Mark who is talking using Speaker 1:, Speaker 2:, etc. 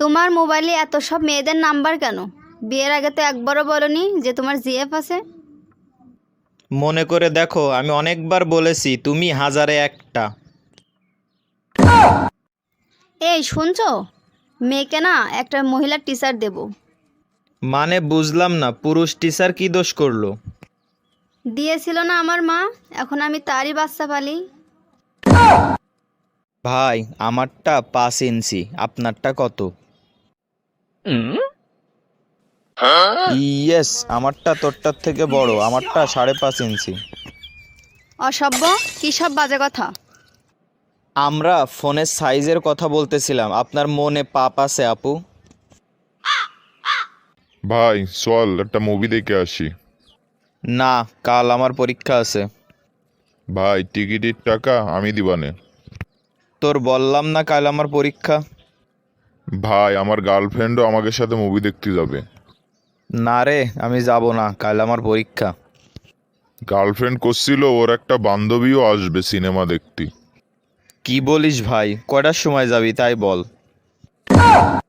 Speaker 1: তোমার মোবাইলে এত সব মেয়েদের নাম্বার কেন? বিয়ের আগে তো একবারও বলনি যে তোমার জিএফ আছে।
Speaker 2: মনে করে দেখো, আমি অনেকবার বলেছি, তুমি হাজারে একটা।
Speaker 1: এই শুনছো, মেয়েকে না একটা মহিলা টিচার দেব।
Speaker 2: মানে বুঝলাম না, পুরুষ টিচার কি দোষ করলো?
Speaker 1: দিয়েছিল না আমার মা, এখন আমি তারই বাচ্চা পালি।
Speaker 2: ভাই, আমারটা 5 ইঞ্চি, আপনারটা কত? ইয়েস, আমারটা তোরটার থেকে বড়, আমারটা 5.5 ইঞ্চি।
Speaker 1: অসভ্য, কী সব বাজে কথা।
Speaker 2: আমরা ফোনের সাইজের কথা বলতেছিলাম, আপনার মনে পাপ আছে আপু?
Speaker 3: ভাই চল একটা মুভি দেখে আসি।
Speaker 2: না, কাল আমার পরীক্ষা আছে।
Speaker 3: ভাই টিকিটের টাকা আমি দিবানে।
Speaker 2: তোর বললাম না কাল আমার পরীক্ষা।
Speaker 3: ভাই আমার গার্লফ্রেন্ডও আমাকে সাথে মুভি দেখতে যাবে।
Speaker 2: না রে, আমি যাব না, কাল আমার পরীক্ষা।
Speaker 3: গার্লফ্রেন্ড করছিল ওর একটা বান্ধবীও আসবে সিনেমা দেখতে।
Speaker 2: কি বলিস ভাই, কয়টার সময় যাবি তাই বল।